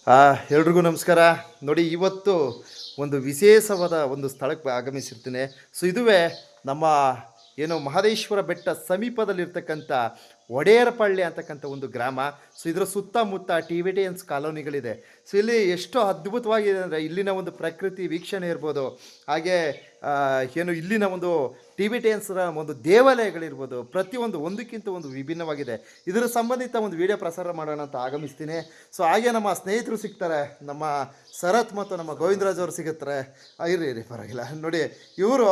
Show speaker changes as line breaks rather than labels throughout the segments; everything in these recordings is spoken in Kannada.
ಎಲ್ರಿಗೂ ನಮಸ್ಕಾರ. ನೋಡಿ, ಇವತ್ತು ಒಂದು ವಿಶೇಷವಾದ ಒಂದು ಸ್ಥಳಕ್ಕೆ ಆಗಮಿಸಿರ್ತೀನಿ. ಸೊ ಇದುವೇ ನಮ್ಮ ಏನು ಮಹದೇಶ್ವರ ಬೆಟ್ಟ ಸಮೀಪದಲ್ಲಿರ್ತಕ್ಕಂಥ ಒಡೆಯರಪಳ್ಳಿ ಅಂತಕ್ಕಂಥ ಒಂದು ಗ್ರಾಮ. ಸೊ ಇದರ ಸುತ್ತಮುತ್ತ ಟಿಬೆಟಿಯನ್ಸ್ ಕಾಲೋನಿಗಳಿದೆ. ಸೊ ಇಲ್ಲಿ ಎಷ್ಟು ಅದ್ಭುತವಾಗಿದೆ ಅಂದರೆ ಇಲ್ಲಿನ ಒಂದು ಪ್ರಕೃತಿ ವೀಕ್ಷಣೆ ಇರ್ಬೋದು, ಹಾಗೆ ಏನು ಇಲ್ಲಿನ ಒಂದು ಟಿಬೆಟಿಯನ್ಸ್ರ ಒಂದು ದೇವಾಲಯಗಳಿರ್ಬೋದು, ಪ್ರತಿಯೊಂದು ಒಂದಕ್ಕಿಂತ ಒಂದು ವಿಭಿನ್ನವಾಗಿದೆ. ಇದರ ಸಂಬಂಧಿತ ಒಂದು ವಿಡಿಯೋ ಪ್ರಸಾರ ಮಾಡೋಣ ಅಂತ ಆಗಮಿಸ್ತೀನಿ. ಸೊ ಹಾಗೆ ನಮ್ಮ ಸ್ನೇಹಿತರು ಸಿಗ್ತಾರೆ, ನಮ್ಮ ಶರತ್ ಮತ್ತು ನಮ್ಮ ಗೋವಿಂದರಾಜ್ ಅವರು ಸಿಗುತ್ತಾರೆ. ಇರಿ ಪರವಾಗಿಲ್ಲ. ನೋಡಿ, ಇವರು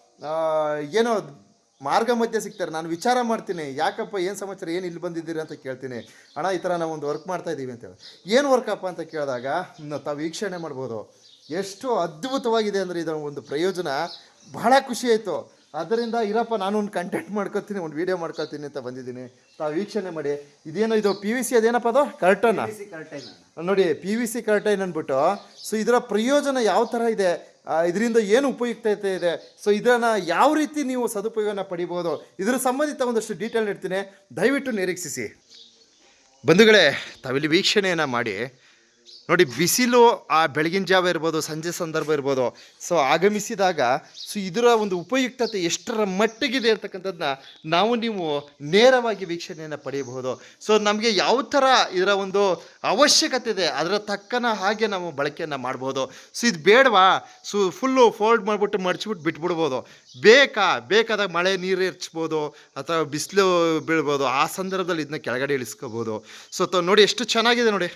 ಏನೋ ಮಾರ್ಗ ಮಧ್ಯೆ ಸಿಗ್ತಾರೆ. ನಾನು ವಿಚಾರ ಮಾಡ್ತೀನಿ, ಯಾಕಪ್ಪ ಏನು ಸಮಾಚಾರ, ಏನು ಇಲ್ಲಿ ಬಂದಿದ್ದೀರಿ ಅಂತ ಕೇಳ್ತೀನಿ. ಅಣ್ಣ, ಈ ಥರ ನಾವು ಒಂದು ವರ್ಕ್ ಮಾಡ್ತಾ ಇದ್ದೀವಿ ಅಂತೇಳಿ. ಏನು ವರ್ಕಪ್ಪ ಅಂತ ಕೇಳಿದಾಗ ತಾವು ವೀಕ್ಷಣೆ ಮಾಡ್ಬೋದು. ಎಷ್ಟು ಅದ್ಭುತವಾಗಿದೆ ಅಂದರೆ ಇದರ ಒಂದು ಪ್ರಯೋಜನ ಬಹಳ ಖುಷಿ ಆಯಿತು. ಅದರಿಂದ ಇರಪ್ಪ, ನಾನು ಒಂದು ಕಂಟೆಂಟ್ ಮಾಡ್ಕೊತೀನಿ, ಒಂದು ವೀಡಿಯೋ ಮಾಡ್ಕೊತೀನಿ ಅಂತ ಬಂದಿದ್ದೀನಿ. ತಾವು ವೀಕ್ಷಣೆ ಮಾಡಿ. ಇದೇನೋ ಇದು PVC, ಅದೇನಪ್ಪ ಅದು ಕರ್ಟನ್ ನೋಡಿ, PVC ಕರ್ಟೈನ್ ಅಂದ್ಬಿಟ್ಟು. ಸೊ ಇದರ ಪ್ರಯೋಜನ ಯಾವ ಥರ ಇದೆ, ಇದರಿಂದ ಏನು ಉಪಯುಕ್ತತೆ ಇದೆ, ಸೊ ಇದನ್ನು ಯಾವ ರೀತಿ ನೀವು ಸದುಪಯೋಗನ ಪಡಿಬೋದು, ಇದರ ಸಂಬಂಧಿತ ಒಂದಷ್ಟು ಡೀಟೇಲ್ ಇಡ್ತೀನಿ. ದಯವಿಟ್ಟು ನಿರೀಕ್ಷಿಸಿ ಬಂಧುಗಳೇ. ತಾವಿಲ್ಲಿ ವೀಕ್ಷಣೆಯನ್ನು ಮಾಡಿ. ನೋಡಿ, ಬಿಸಿಲು ಆ ಬೆಳಗಿನ ಜಾವ ಇರ್ಬೋದು, ಸಂಜೆ ಸಂದರ್ಭ ಇರ್ಬೋದು, ಸೊ ಆಗಮಿಸಿದಾಗ ಸೊ ಇದರ ಒಂದು ಉಪಯುಕ್ತತೆ ಎಷ್ಟರ ಮಟ್ಟಿಗಿದೆ ಅಂತಕ್ಕಂಥದ್ದನ್ನ ನೀವು ನೇರವಾಗಿ ವೀಕ್ಷಣೆಯನ್ನು ಪಡೆಯಬಹುದು. ಸೊ ನಮಗೆ ಯಾವ ಥರ ಇದರ ಒಂದು ಅವಶ್ಯಕತೆ ಇದೆ ಅದರ ತಕ್ಕನ ಹಾಗೆ ನಾವು ಬಳಕೆಯನ್ನು ಮಾಡ್ಬೋದು. ಸೊ ಇದು ಬೇಡವಾ, ಸೊ ಫುಲ್ಲು ಫೋಲ್ಡ್ ಮಾಡಿಬಿಟ್ಟು ಮಡಚಿಬಿಟ್ಟು ಬಿಟ್ಬಿಡ್ಬೋದು. ಬೇಕಾದಾಗ ಮಳೆ ನೀರು ಎರಚ್ಬೋದು ಅಥವಾ ಬಿಸಿಲು ಬೀಳ್ಬೋದು. ಆ ಸಂದರ್ಭದಲ್ಲಿ ಇದನ್ನ ಕೆಳಗಡೆ ಇಳಿಸ್ಕೋಬೋದು. ಸೊ ನೋಡಿ ಎಷ್ಟು ಚೆನ್ನಾಗಿದೆ ನೋಡಿ,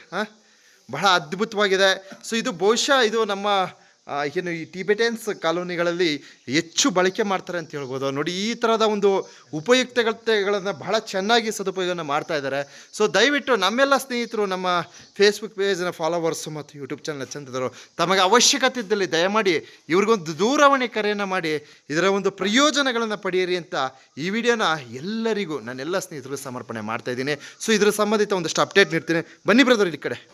ಬಹಳ ಅದ್ಭುತವಾಗಿದೆ. ಸೊ ಇದು ಬಹುಶಃ ಇದು ನಮ್ಮ ಏನು ಈ ಟಿಬೆಟಿಯನ್ಸ್ ಕಾಲೋನಿಗಳಲ್ಲಿ ಹೆಚ್ಚು ಬಳಕೆ ಮಾಡ್ತಾರೆ ಅಂತ ಹೇಳ್ಬೋದು. ನೋಡಿ, ಈ ಥರದ ಒಂದು ಉಪಯುಕ್ತತೆಗಳನ್ನು ಬಹಳ ಚೆನ್ನಾಗಿ ಸದುಪಯೋಗನ ಮಾಡ್ತಾ ಇದ್ದಾರೆ. ಸೊ ದಯವಿಟ್ಟು ನಮ್ಮೆಲ್ಲ ಸ್ನೇಹಿತರು, ನಮ್ಮ ಫೇಸ್ಬುಕ್ ಪೇಜ್ನ ಫಾಲೋವರ್ಸು ಮತ್ತು ಯೂಟ್ಯೂಬ್ ಚಾನಲ್ ಚಂದಿದ್ರು, ತಮಗೆ ಅವಶ್ಯಕತೆ ಇದ್ದಲ್ಲಿ ದಯಮಾಡಿ ಇವ್ರಿಗೊಂದು ದೂರವಾಣಿ ಕರೆಯನ್ನು ಮಾಡಿ ಇದರ ಒಂದು ಪ್ರಯೋಜನಗಳನ್ನು ಪಡೆಯಿರಿ ಅಂತ ಈ ವಿಡಿಯೋನ ಎಲ್ಲರಿಗೂ ನನ್ನೆಲ್ಲ ಸ್ನೇಹಿತರು ಸಮರ್ಪಣೆ ಮಾಡ್ತಾಯಿದ್ದೀನಿ. ಸೊ ಇದರ ಸಂಬಂಧಿತ ಒಂದಷ್ಟು ಅಪ್ಡೇಟ್ ನೀಡ್ತೀನಿ. ಬನ್ನಿ ಬ್ರದರ್, ಈ ಕಡೆ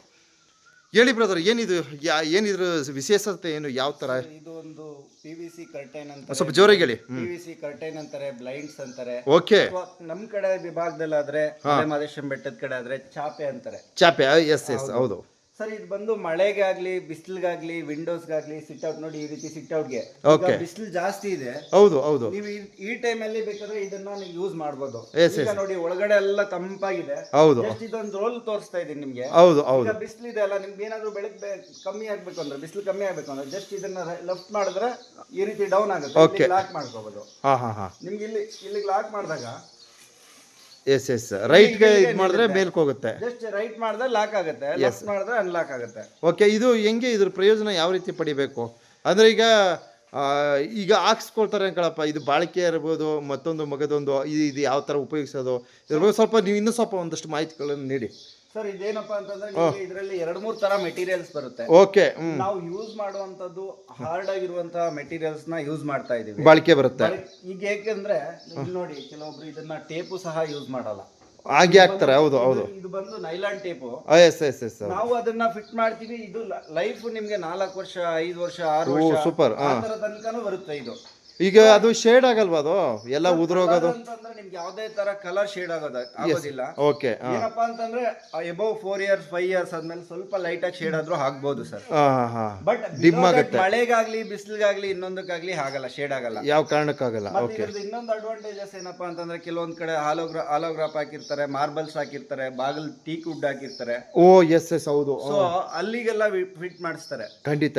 ಹೇಳಿ ಬ್ರದರ್, ಏನಿದು ಏನಿದ್ರ ವಿಶೇಷತೆ ಏನು, ಯಾವ ತರ?
ಇದು ಒಂದು PVC ಕರ್ಟೈನ್ ಅಂತ,
ಸ್ವಲ್ಪ ಜೋರಾಗಿ ಹೇಳಿ.
PVC ಕರ್ಟೈನ್ ಅಂತಾರೆ, ಬ್ಲೈಂಡ್ಸ್ ಅಂತಾರೆ.
ಓಕೆ.
ನಮ್ ಕಡೆ ವಿಭಾಗದಲ್ಲಿ ಆದ್ರೆ ಮಹದೇಶ್ವರ ಬೆಟ್ಟದ ಕಡೆ ಆದ್ರೆ ಚಾಪೆ ಅಂತಾರೆ.
ಚಾಪೆ, ಎಸ್ ಹೌದು
ಸರ್. ಇದು ಬಂದು ಮಳೆಗೆ ಆಗ್ಲಿ, ಬಿಸಿಲಿಗಾಗ್ಲಿ, ವಿಂಡೋಸ್ಗಾಗ್ಲಿ, ಸಿಟ್ ಔಟ್ ನೋಡಿ, ಈ ರೀತಿ ಸಿಟ್ ಔಟ್ಗೆ ಬಿಸಿಲು ಜಾಸ್ತಿ ಇದೆ.
ಹೌದು
ನೀವು ಈ ಟೈಮ್ ಅಲ್ಲಿ ಬೇಕಾದ್ರೆ ಇದನ್ನ ನೀವು ಯೂಸ್ ಮಾಡಬಹುದು. ಈಗ ನೋಡಿ, ಒಳಗಡೆ ಎಲ್ಲ ತಂಪಾಗಿದೆ. ಜಸ್ಟ್ ಇದೊಂದು ರೋಲ್ ತೋರಿಸ್ತಾ ಇದೀನಿ ನಿಮ್ಗೆ. ಈಗ ಬಿಸಿಲಿದೆ ಅಲ್ಲ, ನಿಮ್ಗೆ ಏನಾದ್ರು ಬೆಳಗ್ಗೆ ಕಮ್ಮಿ ಆಗ್ಬೇಕು ಅಂದ್ರೆ, ಬಿಸಿಲು ಕಮ್ಮಿ ಆಗ್ಬೇಕು ಅಂದ್ರೆ ಜಸ್ಟ್ ಇದನ್ನ ಲೆಫ್ಟ್ ಮಾಡಿದ್ರೆ ಈ ರೀತಿ ಡೌನ್ ಆಗುತ್ತೆ. ಲಾಕ್ ಮಾಡ್ಕೋಬಹುದು. ನಿಮ್ಗೆ ಇಲ್ಲಿಗೆ ಲಾಕ್ ಮಾಡಿದಾಗ
ಎಸ್ ರೈಟ್ಗೆ ಇದು ಮಾಡಿದ್ರೆ ಮೇಲ್ಕ್ ಹೋಗುತ್ತೆ.
ಜಸ್ಟ್ ರೈಟ್ ಮಾಡಿದ್ರೆ ಲಾಕ್ ಆಗುತ್ತೆ, ಲೆಫ್ಟ್ ಮಾಡಿದ್ರೆ ಅನ್ಲಾಕ್ ಆಗುತ್ತೆ.
ಓಕೆ. ಇದು ಹೆಂಗೆ, ಇದ್ರ ಪ್ರಯೋಜನ ಯಾವ ರೀತಿ ಪಡಿಬೇಕು ಅಂದ್ರೆ, ಈಗ ಹಾಕ್ಸ್ಕೊಳ್ತಾರೆ ಅನ್ಕೊಳಪ್ಪ, ಇದು ಬಾಳಿಕೆ ಇರ್ಬೋದು, ಮತ್ತೊಂದು ಮಗದೊಂದು, ಇದು ಯಾವ ಥರ ಉಪಯೋಗಿಸೋದು, ಇದ್ರ ಬಗ್ಗೆ ಸ್ವಲ್ಪ ನೀವು ಇನ್ನೂ ಸ್ವಲ್ಪ ಒಂದಷ್ಟು ಮಾಹಿತಿಗಳನ್ನು ನೀಡಿ.
ಸರ್, ಇದೇನಪ್ಪಾ ಅಂತಂದ್ರೆ ಇದರಲ್ಲಿ 2-3 ತರ ಮೆಟೀರಿಯಲ್ಸ್ ಬರುತ್ತೆ.
ಓಕೆ.
ನಾವು ಯೂಸ್ ಮಾಡುವಂತದ್ದು ಹಾರ್ಡ್ ಆಗಿರುವಂತಹ ಮೆಟೀರಿಯಲ್ಸ್ ನ ಯೂಸ್ ಮಾಡ್ತಾ ಇದೀವಿ.
ಬಾಳಿಕೆ ಬರುತ್ತೆ.
ಈಗ ಏಕೆಂದ್ರೆ ನೋಡಿ, ಕೆಲವೊಬ್ರು ಇದನ್ನ ಟೇಪು ಸಹ ಯೂಸ್ ಮಾಡಲ್ಲ,
ಹಾಗೆ ಹಾಕ್ತಾರೆ. ಹೌದು.
ಇದು ಬಂದು ನೈಲಾನ್ ಟೇಪು.
ಎಸ್
ನಾವು ಅದನ್ನ ಫಿಟ್ ಮಾಡ್ತೀವಿ. ಇದು ಲೈಫ್ ನಿಮ್ಗೆ 4 ವರ್ಷ, 5 ವರ್ಷ, 6 ವರ್ಷ,
ಸೂಪರ್
ತನಕನೂ ಬರುತ್ತೆ ಇದು.
ಈಗ ಅದು ಶೇಡ್ ಆಗಲ್ವಾ, ಅದು ಎಲ್ಲ ಉದುರೋಗೋದು
ಅಂತಂದ್ರೆ ನಿಮ್ಗೆ ಯಾವುದೇ ತರ ಕಲರ್ ಶೇಡ್ ಆಗೋದಿಲ್ಲ.
ಓಕೆ.
ಏನಪ್ಪಾ ಅಂತಂದ್ರೆ ಎಬವ್ 4 years 5 years ಆದ್ಮೇಲೆ ಸ್ವಲ್ಪ ಲೈಟ್ ಆಗಿ ಶೇಡ್ ಆದ್ರೂ ಆಗ್ಬೋದು ಸರ್. ಬಟ್ ಡಿಮ್ ಆಗುತ್ತೆ. ಮಳೆಗಾಗ್ಲಿ, ಬಿಸಿಲಿಗಾಗ್ಲಿ, ಇನ್ನೊಂದಕ್ಕಾಗ್ಲಿ ಆಗಲ್ಲ, ಶೇಡ್ ಆಗಲ್ಲ, ಯಾವ
ಕಾರಣಕ್ಕಾಗಲ್ಲ. ಓಕೆ.
ಇನ್ನೊಂದು ಅಡ್ವಾಂಟೇಜಸ್ ಏನಪ್ಪಾ ಅಂತಂದ್ರೆ, ಕೆಲವೊಂದ್ ಕಡೆ ಹಾಲೋಗ್ರಾಫ್ ಹಾಕಿರ್ತಾರೆ, ಮಾರ್ಬಲ್ಸ್ ಹಾಕಿರ್ತಾರೆ, ಬಾಗಿಲ್ ಟೀಕ್ ವುಡ್ ಹಾಕಿರ್ತಾರೆ.
ಎಸ್ ಹೌದು.
ಸೊ ಅಲ್ಲಿಗೆಲ್ಲ ಫಿಟ್ ಮಾಡಿಸ್ತಾರೆ.
ಖಂಡಿತ.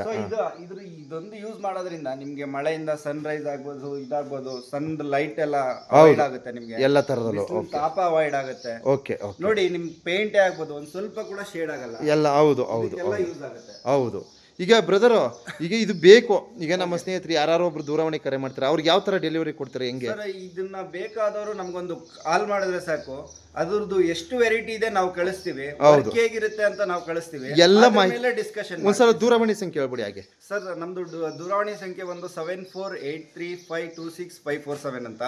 ಇದೊಂದು ಯೂಸ್ ಮಾಡೋದ್ರಿಂದ ನಿಮ್ಗೆ ಮಳೆಯಿಂದ ಸನ್ ರೈಸ್ ಆಗ್ಬೋದು, ಇದಾಗ್ಬೋದು, ಸನ್ ಲೈಟ್ ಎಲ್ಲ ಅವಾಯ್ಡ್ ಆಗುತ್ತೆ. ನಿಮ್ಗೆ ಎಲ್ಲ ತರದಲ್ಲೂ ತಾಪ ಅವಾಯ್ಡ್ ಆಗುತ್ತೆ. ಓಕೆ. ನೋಡಿ, ನಿಮ್ ಪೇಂಟ್ ಆಗ್ಬೋದು, ಒಂದ್ ಸ್ವಲ್ಪ ಕೂಡ ಶೇಡ್ ಆಗಲ್ಲ, ಎಲ್ಲ ಹೌದು ಯೂಸ್ ಆಗುತ್ತೆ.
ಹೌದು. ಈಗ ಬ್ರದರ್, ಈಗ ಇದು ಬೇಕು, ಈಗ ನಮ್ಮ ಸ್ನೇಹಿತರು ಯಾರು ಒಬ್ರು ದೂರವಾಣಿ ಕರೆ ಮಾಡ್ತಾರೆ, ಅವ್ರಿಗೆ ಯಾವ ತರ ಡೆಲಿವರಿ ಕೊಡ್ತಾರೆ, ಹೆಂಗೆ?
ಇದನ್ನ ಬೇಕಾದವರು ನಮ್ಗೊಂದು ಕಾಲ್ ಮಾಡಿದ್ರೆ ಸಾಕು, ಅದ್ರದ್ದು ಎಷ್ಟು ವೆರೈಟಿ ಇದೆ ನಾವು ಕಳಿಸ್ತೀವಿ, ಹೇಗಿರುತ್ತೆ ಅಂತ ನಾವು ಕಳಿಸ್ತೀವಿ, ಎಲ್ಲ ಮಾಹಿತಿ ಡಿಸ್ಕಷನ್.
ಒಂದ್ಸಲ ದೂರವಾಣಿ ಸಂಖ್ಯೆ ಹೇಳ್ಬಿಡಿ ಹಾಗೆ.
ಸರ್, ನಮ್ದು ದೂರವಾಣಿ ಸಂಖ್ಯೆ ಒಂದು 7483526547 ಅಂತ,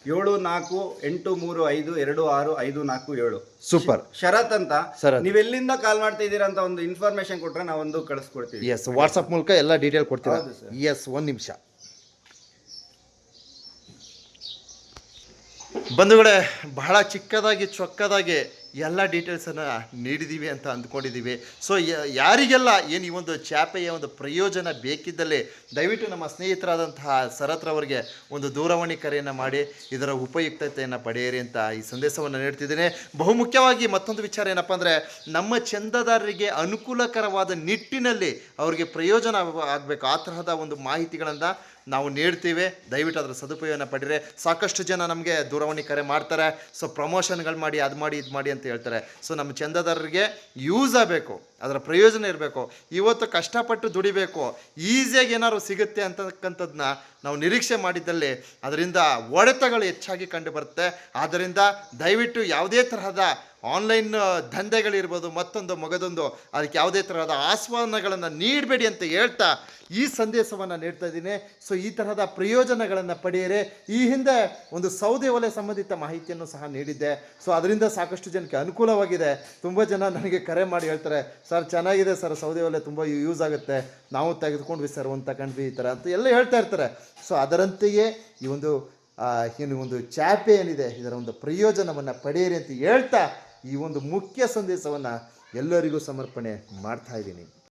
7483526547.
ಸೂಪರ್.
ಶರತ್ ಅಂತ. ನೀವ್ ಎಲ್ಲಿಂದ ಕಾಲ್ ಮಾಡ್ತಾ ಇದ್ದೀರಾ ಅಂತ ಒಂದು ಇನ್ಫಾರ್ಮೇಶನ್ ಕೊಟ್ರೆ ನಾವೊಂದು ಕಳಿಸ್ಕೊಡ್ತೀವಿ.
ಎಸ್, ವಾಟ್ಸ್ಆಪ್ ಮೂಲಕ ಎಲ್ಲ ಡೀಟೇಲ್ ಕೊಡ್ತೀರಾ? ಎಸ್, 1 ನಿಮಿಷ ಬಂಧುಗಳೇ. ಬಹಳ ಚಿಕ್ಕದಾಗಿ ಚೊಕ್ಕದಾಗಿ ಎಲ್ಲ ಡೀಟೇಲ್ಸನ್ನು ನೀಡಿದ್ದೀವಿ ಅಂತ ಅಂದ್ಕೊಂಡಿದ್ದೀವಿ. ಸೊ ಯಾರಿಗೆಲ್ಲ ಏನು ಈ ಒಂದು ಚಾಪೆಯ ಒಂದು ಪ್ರಯೋಜನ ಬೇಕಿದ್ದಲ್ಲಿ ದಯವಿಟ್ಟು ನಮ್ಮ ಸ್ನೇಹಿತರಾದಂತಹ ಶರತ್ರವರಿಗೆ ಒಂದು ದೂರವಾಣಿ ಕರೆಯನ್ನು ಮಾಡಿ ಇದರ ಉಪಯುಕ್ತತೆಯನ್ನು ಪಡೆಯಿರಿ ಅಂತ ಈ ಸಂದೇಶವನ್ನು ನೀಡ್ತಿದ್ದೇನೆ. ಬಹುಮುಖ್ಯವಾಗಿ ಮತ್ತೊಂದು ವಿಚಾರ ಏನಪ್ಪ ಅಂದರೆ, ನಮ್ಮ ಚಂದಾದಾರರಿಗೆ ಅನುಕೂಲಕರವಾದ ನಿಟ್ಟಿನಲ್ಲಿ ಅವರಿಗೆ ಪ್ರಯೋಜನ ಆಗಬೇಕು ಆ ತರಹದ ಒಂದು ಮಾಹಿತಿಗಳನ್ನು ನಾವು ನೀಡ್ತೀವಿ. ದಯವಿಟ್ಟು ಅದರ ಸದುಪಯೋಗನ ಪಡೀರಿ. ಸಾಕಷ್ಟು ಜನ ನಮಗೆ ದೂರವಾಣಿ ಕರೆ ಮಾಡ್ತಾರೆ, ಸೊ ಪ್ರಮೋಷನ್ಗಳು ಮಾಡಿ ಅದು ಮಾಡಿ ಇದು ಮಾಡಿ ಅಂತ ಹೇಳ್ತಾರೆ. ಸೊ ನಮ್ಮ ಚಂದಾದಾರರಿಗೆ ಯೂಸ್ ಆಗಬೇಕು, ಅದರ ಪ್ರಯೋಜನ ಇರಬೇಕು. ಇವತ್ತು ಕಷ್ಟಪಟ್ಟು ದುಡಿಬೇಕು, ಈಸಿಯಾಗಿ ಏನಾದ್ರು ಸಿಗುತ್ತೆ ಅಂತಕ್ಕಂಥದ್ದನ್ನ ನಾವು ನಿರೀಕ್ಷೆ ಮಾಡಿದ್ದಲ್ಲಿ ಅದರಿಂದ ಹೊಡೆತಗಳು ಹೆಚ್ಚಾಗಿ ಕಂಡು ಬರುತ್ತೆ. ಆದ್ದರಿಂದ ದಯವಿಟ್ಟು ಯಾವುದೇ ತರಹದ ಆನ್ಲೈನ್ ದಂಧೆಗಳಿರ್ಬೋದು, ಮತ್ತೊಂದು ಮಗದೊಂದು, ಅದಕ್ಕೆ ಯಾವುದೇ ತರಹದ ಆಹ್ವಾನಗಳನ್ನು ನೀಡಬೇಡಿ ಅಂತ ಹೇಳ್ತಾ ಈ ಸಂದೇಶವನ್ನು ನೀಡ್ತಾ ಇದ್ದೀನಿ. ಸೊ ಈ ತರಹದ ಪ್ರಯೋಜನಗಳನ್ನು ಪಡೆಯಿರಿ. ಈ ಹಿಂದೆ ಒಂದು ಸೌದೆ ಒಲೆ ಸಂಬಂಧಿತ ಮಾಹಿತಿಯನ್ನು ಸಹ ನೀಡಿದ್ದೆ. ಸೊ ಅದರಿಂದ ಸಾಕಷ್ಟು ಜನಕ್ಕೆ ಅನುಕೂಲವಾಗಿದೆ. ತುಂಬ ಜನ ನನಗೆ ಕರೆ ಮಾಡಿ ಹೇಳ್ತಾರೆ, ಸರ್ ಚೆನ್ನಾಗಿದೆ ಸರ್, ಸೌದೆ ಒಲೆ ತುಂಬ ಯೂಸ್ ಆಗುತ್ತೆ, ನಾವು ತೆಗೆದುಕೊಂಡ್ವಿ ಸರ್, ಒಂದು ತಗೊಂಡ್ವಿ ಈ ಥರ ಅಂತ ಎಲ್ಲ ಹೇಳ್ತಾ ಇರ್ತಾರೆ. ಸೊ ಅದರಂತೆಯೇ ಈ ಒಂದು ಏನು ಒಂದು ಚಾಪೆ ಏನಿದೆ ಇದರ ಒಂದು ಪ್ರಯೋಜನವನ್ನು ಪಡೆಯಿರಿ ಅಂತ ಹೇಳ್ತಾ ಈ ಒಂದು ಮುಖ್ಯ ಸಂದೇಶವನ್ನು ಎಲ್ಲರಿಗೂ ಸಮರ್ಪಣೆ ಮಾಡ್ತಾ ಇದ್ದೀನಿ.